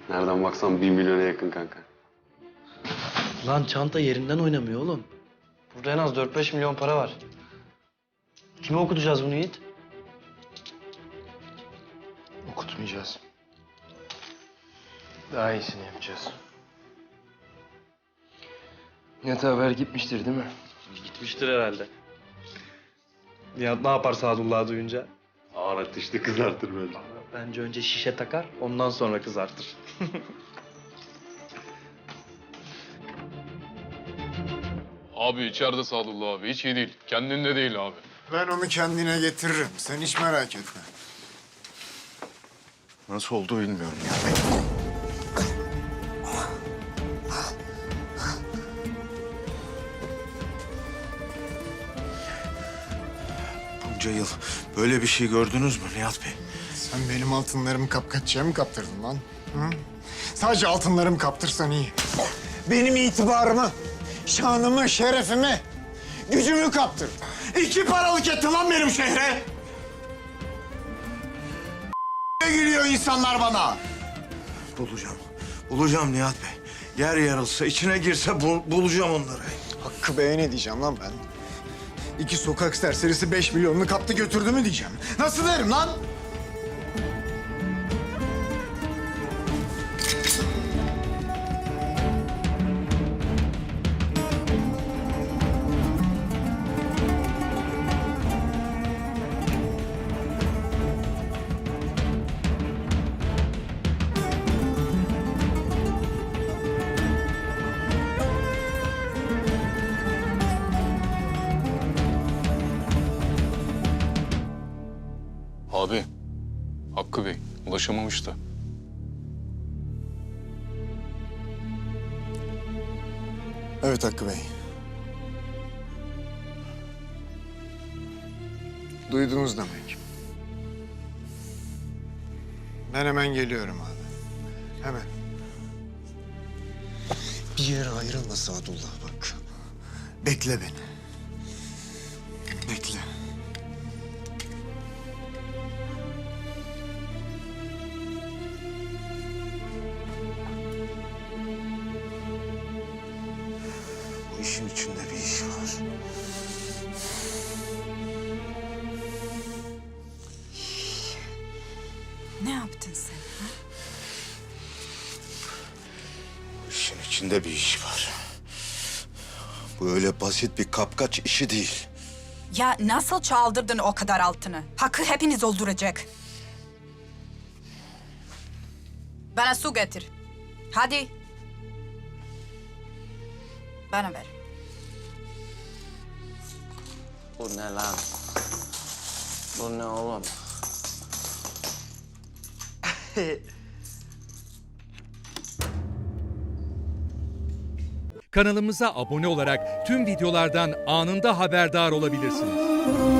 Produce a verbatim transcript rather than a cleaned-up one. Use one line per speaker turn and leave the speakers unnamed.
Nereden baksan bir milyona yakın kanka.
Lan çanta yerinden oynamıyor oğlum. Burada en az dört beş milyon para var. Kime okutacağız bunu Yiğit?
Okutmayacağız. Daha iyisini yapacağız. Nihat haber gitmiştir değil mi?
Gitmiştir herhalde. Nihat ne yapar Sadullah'ı duyunca?
Ağır ateşli kızartır böyle.
Bence önce şişe takar, ondan sonra kızartır.
Abi içeride Sadullah abi. Hiç iyi değil. Kendinde değil abi.
Ben onu kendine getiririm. Sen hiç merak etme. Nasıl oldu bilmiyorum ya.
Bunca yıl böyle bir şey gördünüz mü Nihat Bey?
Sen benim altınlarımı kapkaççıya mı kaptırdın lan? Hı? Sadece altınlarımı kaptırsan iyi. Benim itibarımı, şanımı, şerefimi, gücümü kaptırdın. İki paralık ettin lan benim şehre. Ne gülüyor insanlar bana?
Bulacağım. Bulacağım Nihat Bey. Yer yarılsa, içine girse bul- bulacağım onları.
Hakkı Bey'e ne diyeceğim lan ben? İki sokak serserisi beş milyonunu kaptı götürdü mü diyeceğim. Nasıl derim lan?
Abi. Hakkı Bey. Ulaşamamış da.
Evet Hakkı Bey. Duydunuz demek. Ben hemen geliyorum abi. Hemen. Bir yere ayrılma Sadullah bak. Bekle beni. Bekle.
Bu işin içinde bir iş var.
Ne yaptın sen? Ha?
Bu işin içinde bir iş var. Bu öyle basit bir kapkaç işi değil.
Ya nasıl çaldırdın o kadar altını? Hakkı hepiniz öldürecek. Bana su getir. Hadi. Bana ver.
Bu ne lan? Bu ne oğlum?
Kanalımıza abone olarak tüm videolardan anında haberdar olabilirsiniz.